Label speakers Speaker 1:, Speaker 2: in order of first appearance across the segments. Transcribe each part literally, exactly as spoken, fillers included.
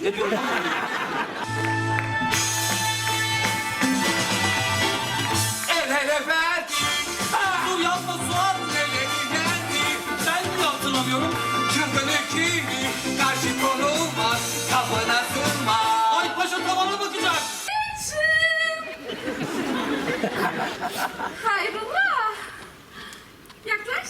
Speaker 1: Ne diyorum?
Speaker 2: Evet efendim.
Speaker 1: Dur yapma Suat.
Speaker 2: Neleri geldi?
Speaker 1: Ben mi hatırlamıyorum?
Speaker 2: Çılgın ekibi karşı konulmaz. Kafana sığmaz.
Speaker 1: Ay paşa tavana bakacak.
Speaker 3: Hayrola? Yaklaş.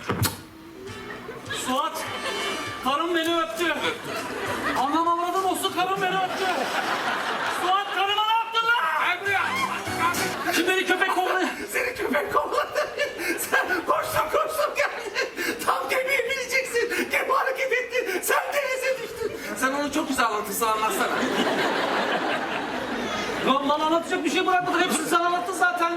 Speaker 1: Suat, karım beni öptü. Anam avradım olsun, karım beni öptü. Suat, karıma ne yaptın lan?
Speaker 2: Gel buraya.
Speaker 1: Kim beni köpek kovdu?
Speaker 2: Seni köpek kovaladı. Sen koştun koştun geldin. Tam gemiye bineceksin. Gemi hareket etti. Sen denize düştün. Sen onu çok güzel anlatırsın, anlatsana.
Speaker 1: Lan bana anlatacak bir şey bırakmadın. Hepsini sen anlattın zaten.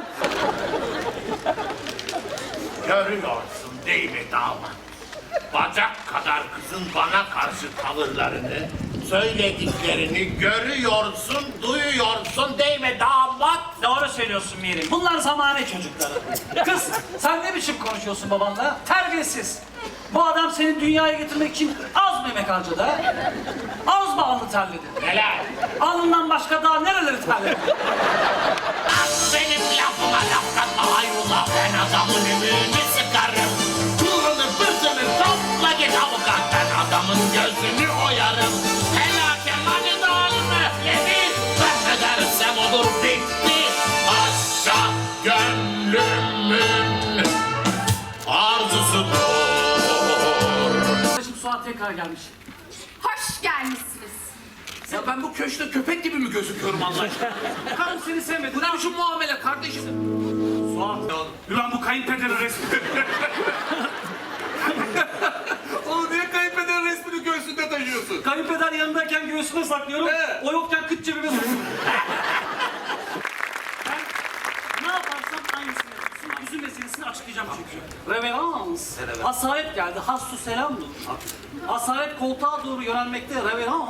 Speaker 4: Görüyorsun değil mi damat? Bacak kadar kızın bana karşı tavırlarını, söylediklerini görüyorsun, duyuyorsun değil mi damat?
Speaker 1: Doğru söylüyorsun Mirim. Bunlar zamane çocukları. Kız, sen ne biçim konuşuyorsun babanla? Terbiyesiz. Bu adam seni dünyaya getirmek için az mı emek harcadı ha? Az mı alnı terledi?
Speaker 4: Neler?
Speaker 1: Alnından başka daha nereleri terledi?
Speaker 4: Benim lafıma laf katma hayrola, ben adamın ümüğünü sıkarım. Pulunu pırsını topla git avukat, ben adamın gözünü oyarım. Helake mani dağılım öfledi, ben ne dersem olur bitti. Paşa gönlümün arzusudur.
Speaker 1: Şimdi Suat tekrar gelmiş.
Speaker 3: Hoş gelmişsiniz.
Speaker 2: Ya ben bu köşkte köpek gibi mi gözüküyorum Allah aşkına?
Speaker 1: Karım seni sevmedi.
Speaker 2: Bu ne biçim muamele kardeşim?
Speaker 1: Suat. Ulan bu kayınpederin resmi.
Speaker 2: Oğlum niye kayınpederin resmini göğsünde taşıyorsun?
Speaker 1: Kayınpeder yanındayken göğsüme saklıyorum.
Speaker 2: He.
Speaker 1: O yokken kıç cebime sokuyorum. Ben ne yaparsam aynısını yapıyorsun. Üzüm meselesini açıklayacağım çünkü. Reverans. Asalet geldi. Hassu selamdur. Asalet koltuğa doğru yönelmekte. Reverans.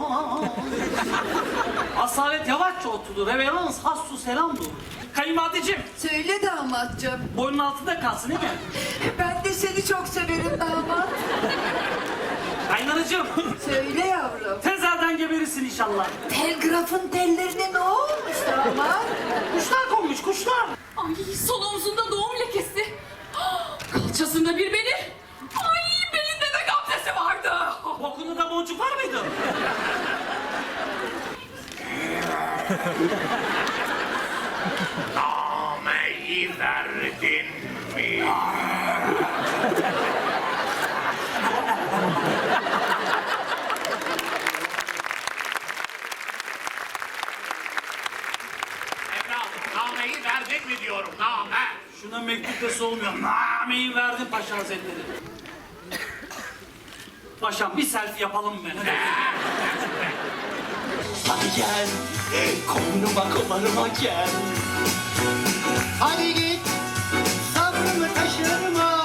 Speaker 1: Asalet yavaşça oturdu. Reverans. Hassu selamdur. Kayınvalideciğim,
Speaker 5: Söyle damatcığım.
Speaker 1: boynun altında kalsın değil mi?
Speaker 5: Ben de seni çok severim damat.
Speaker 1: Kaynanacığım,
Speaker 5: Söyle yavrum.
Speaker 1: tezelden geberirsin inşallah.
Speaker 5: Telgrafın tellerine ne olmuş damat?
Speaker 1: Kuşlar konmuş, kuşlar.
Speaker 3: Ay sol omzunda doğum lekesi. Kalçasında bir beni. Ay belinde de gamzesi vardı.
Speaker 1: Bokunda da boncuk var mıydı?
Speaker 4: Nameyi verdin mi? Evladım, nameyi verdin mi diyorum, name.
Speaker 1: Şuna mektup dese olmuyor. Nameyi verdim Paşa Hazretleri. Paşam bir selfie yapalım mı?
Speaker 6: Hadi gel, koynuma komarıma gel. Hadi git, sabrımı taşırma.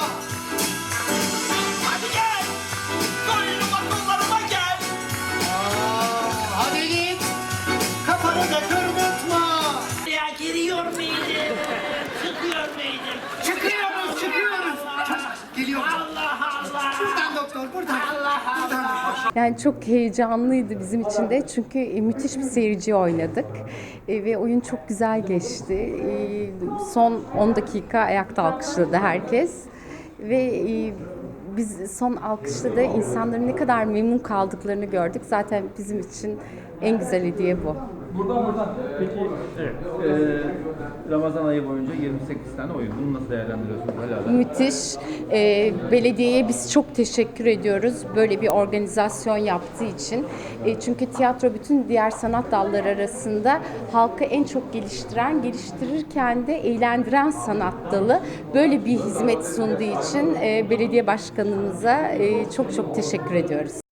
Speaker 6: Hadi gel, koynuma komarıma gel. Aa, hadi git, kafanı da kırdırtma. Ya giriyor muydum, çıkıyor muydum? Çıkıyoruz, çıkıyoruz. Geliyoruz. Allah Allah. Buradan doktor, buradan. Allah Allah.
Speaker 7: Yani çok heyecanlıydı bizim için de çünkü e, müthiş bir seyirci oynadık E, ve oyun çok güzel geçti. E, son on dakika ayakta alkışladı herkes ve e, biz son alkışta da insanların ne kadar memnun kaldıklarını gördük. Zaten bizim için en güzel hediye bu.
Speaker 8: Peki, evet. Ee, Ramazan ayı boyunca yirmi sekiz tane oyun. Bunu nasıl değerlendiriyorsunuz hala?
Speaker 7: Müthiş. E, belediyeye biz çok teşekkür ediyoruz böyle bir organizasyon yaptığı için. E, çünkü tiyatro bütün diğer sanat dalları arasında halkı en çok geliştiren, geliştirirken de eğlendiren sanat dalı. Böyle bir hizmet sunduğu için e, belediye başkanımıza e, çok çok teşekkür ediyoruz.